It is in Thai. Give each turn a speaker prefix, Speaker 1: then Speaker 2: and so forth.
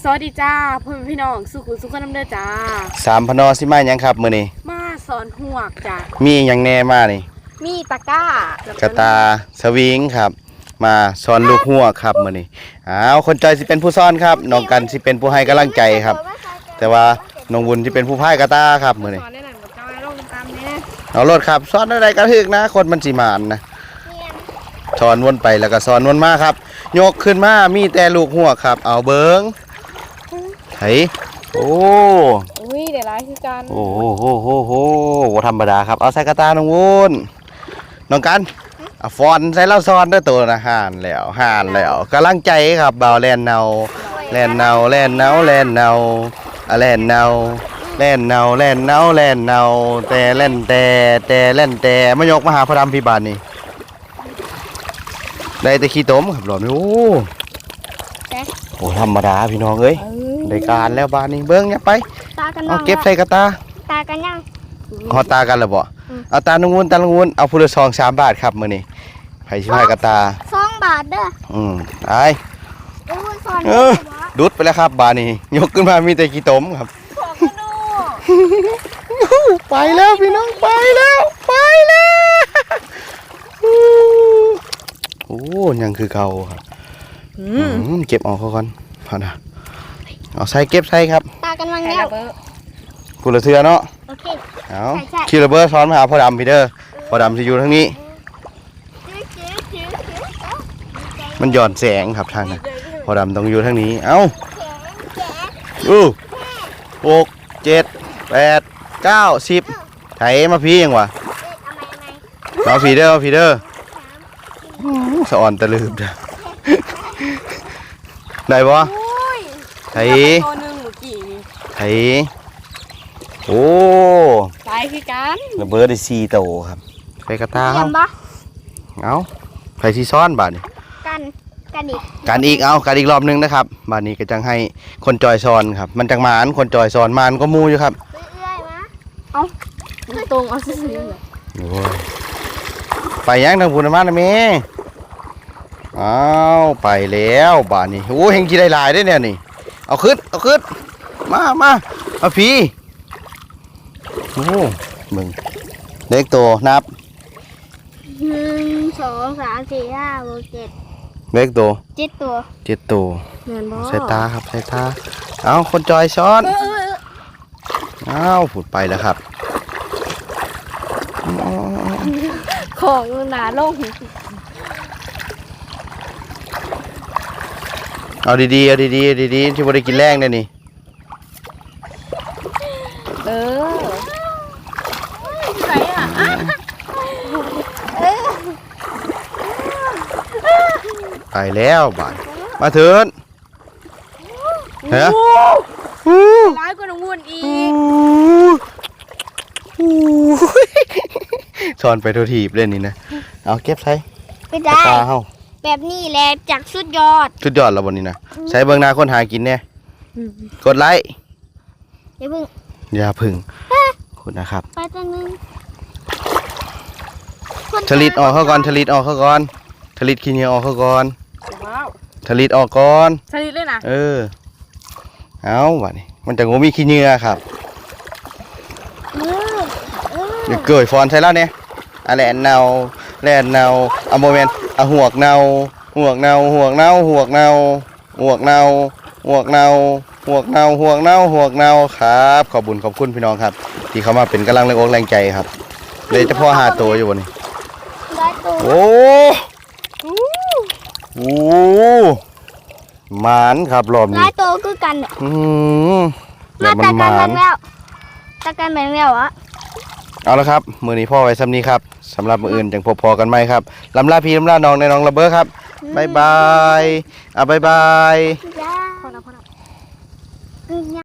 Speaker 1: สวัสดีจ้าพ่อแม่พี่น้องสุขุสุขน้ำเด้อจ้า
Speaker 2: 3 พนสิมาหยังครับมื้อนี้
Speaker 1: มาสอนหวกจ้า
Speaker 2: มีหยังแน่มานี่
Speaker 1: มีตะกร้าก
Speaker 2: ระตาสวิงครับมาสอนลูกหัวครับมื้อนี้คนใจสิเป็นผู้สอนครับน้องกันสิเป็นผู้ให้กำลังใจครับ แต่ว่าน้องบุญสิเป็นผู้พายกระตาครับมื้อนี้
Speaker 1: สอนได้หนังกับเจ้าไอ้โรคตามนี้
Speaker 2: เอารถครับสอนอะไรกระทึกนะคนมันสิมานนะสอนวนไปแล้วก็สอนวนมาครับยกขึ้นมามีแต่ลูกหัวครับเอาเบิ้งไถโอ้
Speaker 1: ยเดี๋ยวร้ายคือกัน
Speaker 2: โอ้โหธรรมดาครับเอาใส่กระตาน้องวุ้นน้องกันเอาฟอนใส่เล่าซอนด้วยตัวนะห่านแล้วกำลังใจครับเบาแลนเนาแลนเนาแลนเนาแลนเนาแลนเนาแล่นเนาแล่นเนาแล่นเนาแต่เล่นแต่เล่นแต่มายกมาหาพระดำพิบาลนี่ได้แต่ขี้ต้มครับหลอดโอ้ธรรมดาพี่น้องเอ้ยได้การแล้วบ้านนี้เบิ้งเนี่ยไปเอาเก็บใส่กระตา
Speaker 3: กันยัง
Speaker 2: หอตากันแล้วบ่เอาตาลุงวุ้นเอาพูละ2-3 บาทครับมื้อนี้ไผสิพายกระตา
Speaker 3: 2 บาทเด้อ
Speaker 2: ไอ้ดุดไปแล้วครับบ้านนี้ยกขึ้นมามีแต่ขี้ต้มครับไปแล้วพี่น้องไปแล้วโอ้ยังคือเก่าครับเก็บออกก่อนพอนะเอาใส่เก็บใส่ครับ
Speaker 3: ตากันวังแล้ว
Speaker 2: พูละเทือเนาะ
Speaker 3: โอเค
Speaker 2: เอาคิวระเบิดซ้อนมาหาพ่อดำพี่เด้อพ่อดำจะอยู่ทางนี้มันหย่อนแสงครับทางนั้นพ่อดำต้องอยู่ทางนี้เอา6 7 8 9 10ไถมาพี่ยังวะมาพี่เด้อสะอ่อนตะลืบเด้อได้ปะไถโอ้
Speaker 1: ไปคือกัน
Speaker 2: ระเบิดได้4 โตครับไปกระตาเอาไผสิซ้อนบาดนี้กันอีกรอบนึงนะครับบาดนี้ก็จังให้คนจอยซ้อนครับมันจังหมานคนจอยซ้อนมันก็มูอยู่ครับ
Speaker 1: เอาตรงเอาซื่อเลย
Speaker 2: โอ้ยไปยังทางพูนมานะเมไปแล้วบาดนี้โอ้เฮงจีได้ลายได้เนี่ยนี่เอาขึ้นมาเอาพี่โอ้มึงเล็กตัวนับ
Speaker 3: 1 2 3 4 5 6 7
Speaker 2: เล็กตัว
Speaker 3: 7
Speaker 2: ตัวใส่ตาครับใส่ตาเอาคนจอยซ้อนผุดไปแล้วครับ
Speaker 1: ของหนาลง
Speaker 2: เอาดีที่บ่ได้กินแรงเนี่ยนี่
Speaker 1: ไหนอ่ะ
Speaker 2: ไปแล้วบ่ายมาเถินเฮ้ย
Speaker 1: ร้ายกว่าน้องวุ้นอี
Speaker 2: กสอนไปโททีบเล่นนี่นะเอาเก็บใส่
Speaker 3: ไม่ได้
Speaker 2: ตาเฮา
Speaker 3: แบบนี้แหละจากสุดยอด
Speaker 2: แล้วบนนี้นะใช้เบื้องหน้าคนหากินเนี่ยกดไลค์อย่าพึ่งคุณนะครับ
Speaker 3: ไปตัวนึง
Speaker 2: ผลิตออกเขาก่อนผลิตขี้เหนียวออกเขาก่อนผลิตออกก่อน
Speaker 1: ผลิตเลยนะ
Speaker 2: เอาวะนี่มันจะงูมีขี้เหนียวครับเดี๋ยวเกิดฟอนใช่แล้วเนี่ยแลนเนาเอาโมเมนต์หวกเนาครับขอบคุณพี่น้องครับที่เขามาเป็นกำลังแรงอกแรงใจครับเลยจะพ่อ5 ตัวอยู่บนนี้โอ้หมานครับรอบนี้
Speaker 3: หลายตัวคือกัน
Speaker 2: แบบมันหมาน
Speaker 3: ตะกันแบ่งแล้วอะ
Speaker 2: เอาละครับมือนี้พ่อไว้ซ้ำนี้ครับสำหรับมืออื่นจังพอกันไหมครับลำลาพี่ลำลาน้องในน้องระเบ้อครับบ๊ายบายบ๊ายบาย